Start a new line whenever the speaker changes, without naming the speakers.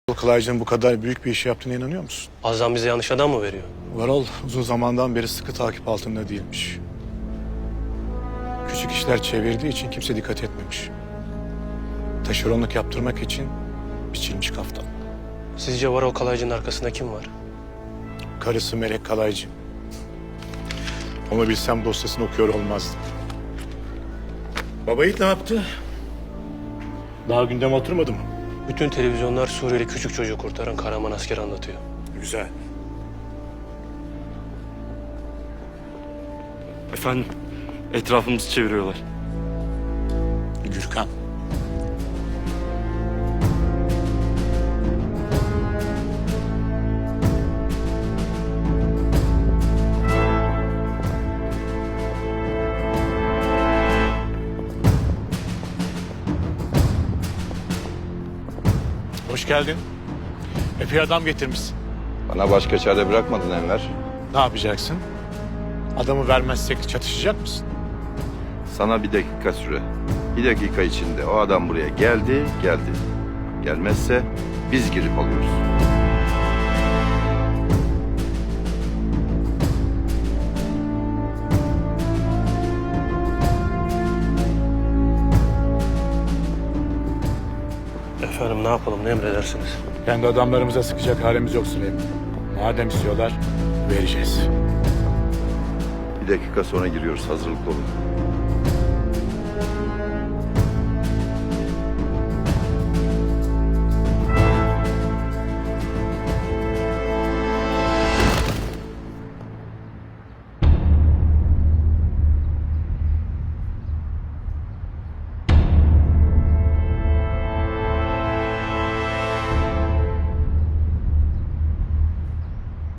Kalaycı'nın bu kadar büyük bir iş yaptığına inanıyor musun?
Azam bize yanlış adam mı veriyor?
Varol uzun zamandan beri sıkı takip altında değilmiş. Küçük işler çevirdiği için kimse dikkat etmemiş. Taşeronluk yaptırmak için biçilmiş kaftan.
Sizce Varol Kalaycı'nın arkasında kim var?
Karısı Melek Kalaycı. Onu bilsem dosyasını okuyor olmazdım. Baba Yiğit ne yaptı? Daha gündeme oturmadı mı?
Bütün televizyonlar Suriyeli küçük çocuğu kurtaran kahraman asker anlatıyor.
Güzel.
Efendim, etrafımızı çeviriyorlar.
Gürkan. Hoş geldin. Epey adam getirmişsin.
Bana başka çare bırakmadın Enver.
Ne yapacaksın? Adamı vermezsek çatışacak mısın?
Sana bir dakika süre. Bir dakika içinde o adam buraya geldi. Gelmezse biz girip alıyoruz.
Efendim ne yapalım, ne emredersiniz?
Kendi adamlarımıza sıkacak halimiz yok Süleyman. Madem istiyorlar, vereceğiz.
Bir dakika sonra giriyoruz. Hazırlıklı olun.